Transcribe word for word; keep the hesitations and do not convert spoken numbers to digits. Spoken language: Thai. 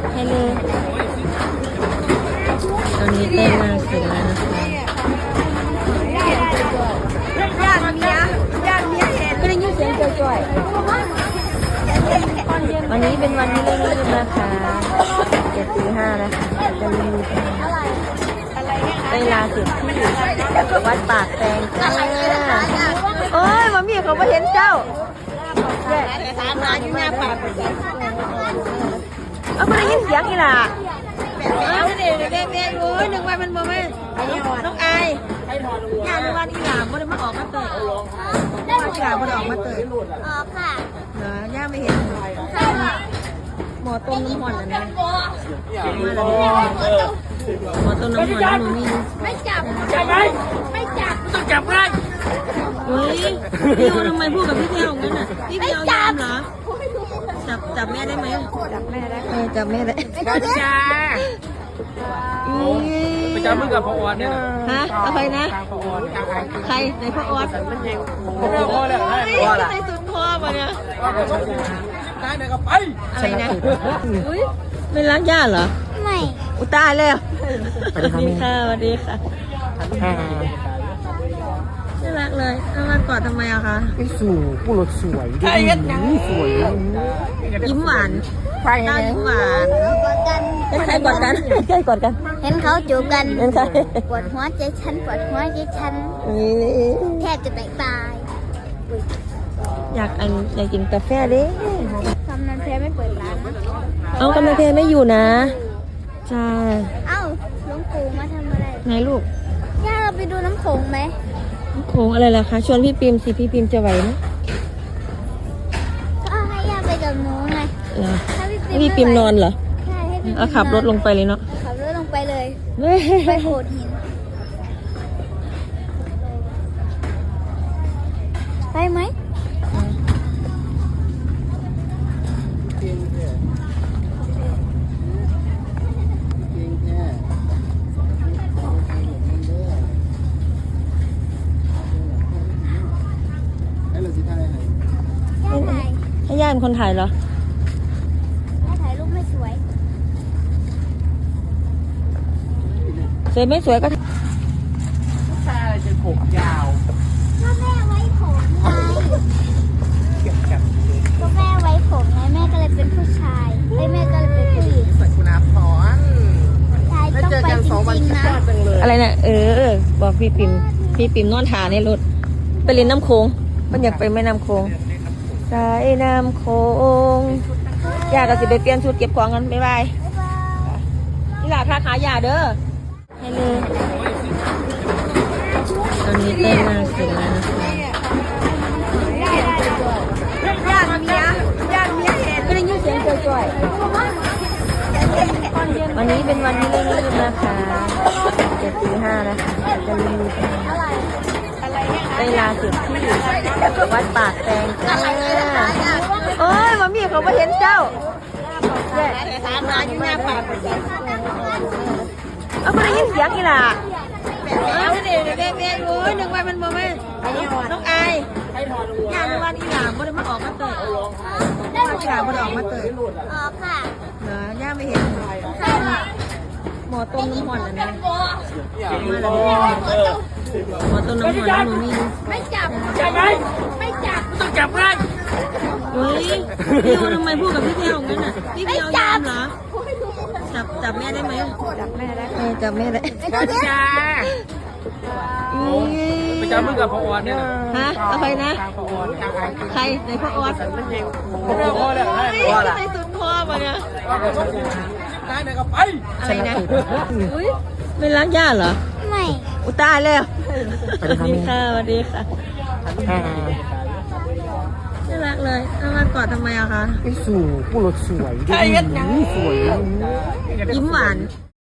ให้เลยตอนนี้เต้นมาเสร็จแล้วนะคะญาติเมียญาติเมียเห็นก็ได้ยินเสียงจ่อยๆวันนี้เป็นวันที่เริ่มรีบนะคะเจ็ดตีห้านะคะจะรีบเวลาเสร็จที่วัดปากแตงจ้าโอ้ยมามีเขาไม่เห็นเจ้าสามร้านอยู่หน้าปากเอาไม่ได้ยินเสียงอีหล่ะเอาเด็กเด็กเด็กโอ้ยหนึ่งวันมันบ่แม่น้องอายญาติวันอีหลาบ่ได้มาออกมาเตยอีหลาบ่ได้ออกมาเตยออกค่ะเหรอย่าไม่เห็นหมอต้มน้ำมันอันนี้หมอต้มน้ำมันน้ำมันมีไม่จับจับไหมไม่จับต้องจับได้เฮ้ยพี่ทำไมพูดกับพี่เที่ยวงั้นอ่ะพี่เที่ยวยอมเหรอจับจับแม่ได้ไหมจับแม่ได้เออจับแม่ได้จ้าไปจับมือกับพ่อออดเนี่ยฮะเอาใครนะใครไหนพ่อออดพ่อเลยพ่อละใส่สุดพ่อมาเนี่ยได้เดี๋ยวก็ไปอะไรนะอุ้ยไม่ล้างย่าเหรอไม่อุตายแล้วสวัสดีค่ะสวัสดีค่ะน่ารักเลยน่ารักกอดทำไมอะคะไอ้สู่ผู้รถสวยดิสวยยิ้มหวานใช่ยิ้มหวานกอดกันเป็นใครกอดกันใครกอดกันเห็นเขาจูบกันเป็นใครปวดหัวใจฉันปวดหัวใจฉันแทบจะแตกตายอยากอันอยากกินกาแฟดิกำนันเพไม่เปิดร้านนะเอากำนันเพไม่อยู่นะจ้าเอ้าหลวงปู่มาทำอะไรไงลูกย่าเราไปดูน้ำโขงไหมโขงอะไรล่ะคะชวนพี่ปิมสิพี่ปิมจะไหวไหมก็ให้ย่าไปกับหนูไงให้พี่ปิมนอนเหรอใช่ให้พี่ปิมเอาขับรถลงไปเลยเนาะขับรถลงไปเลยไปโขดหินไปไหมให้ย่าเป็นคนถ่ายเหรอย่าถ่ายรูปไม่สวยสวยไม่สวยก็ผู้ชายจะผมยาวก็แม่ไว้ผมไงก็แม่ไว้ผมไงแม่ก็เลยเป็นผู้ชายไอ้แม่ก็เลยเป็นผู้หญิงใส่คุณอาพรชายต้องไปจริงๆนะอะไรนะเออบอกพี่ปิมพี่ปิมนอนถ่าในรถไปเล่นน้ำโค้งมันอยากไปแม่น้ำโค้งสายน้ำโค้งอยากจะสิไปเปลี่ยนชุดเก็บของกันบ๊ายบายนี่แหละค่ะขายาเด้อให้เลยตอนนี้เต้นมาเสร็จแล้วนะคะญาติเมียญาติเมียเห็นก็ได้ยินเสียงจ่อยๆวันนี้เป็นวันที่เริ่มรีบนะคะเจ็ดตีห้านะคะจะรีบเวลาเสร็จที่วัดปากแตงจ้าโอ้ยมามีเขาไม่เห็นเจ้าสามร้านอยู่หน้าปากเอาไม่ได้ยินเสียงอีหล่ะเอาเด็กเด็กเด็กโอ้ยหนึ่งวันมันบ่แม่น้องอายญาติวันอีหลาบ่ได้มาออกมาเตยอีหลาบ่ได้ออกมาเตยออกค่ะเหรอย่าไม่เห็นหมอต้มน้ำมันอันนี้หมอต้มน้ำมันน้ำมันมีไม่จับจับไหมไม่จับต้องจับได้เฮ้ยพี่ทำไมพูดกับพี่เที่ยวงั้นอ่ะพี่เที่ยวยอมเหรอจับจับแม่ได้ไหมจับแม่ได้เออจับแม่ได้จ้าไปจับมือกับพ่อออดเนี่ยฮะเอาใครนะใครไหนพ่อออดพ่อเลยพ่อละใส่สุดพ่อมาเนี่ยได้เดี๋ยวก็ไปอะไรนะอุ้ยไม่ล้างย่าเหรอไม่อุตายแล้วสวัสดีค่ะสวัสดีค่ะน่ารักเลยน่ารักกอดทำไมอะคะไอ้สู่ผู้รถสวยดิสวยยิ้มหวาน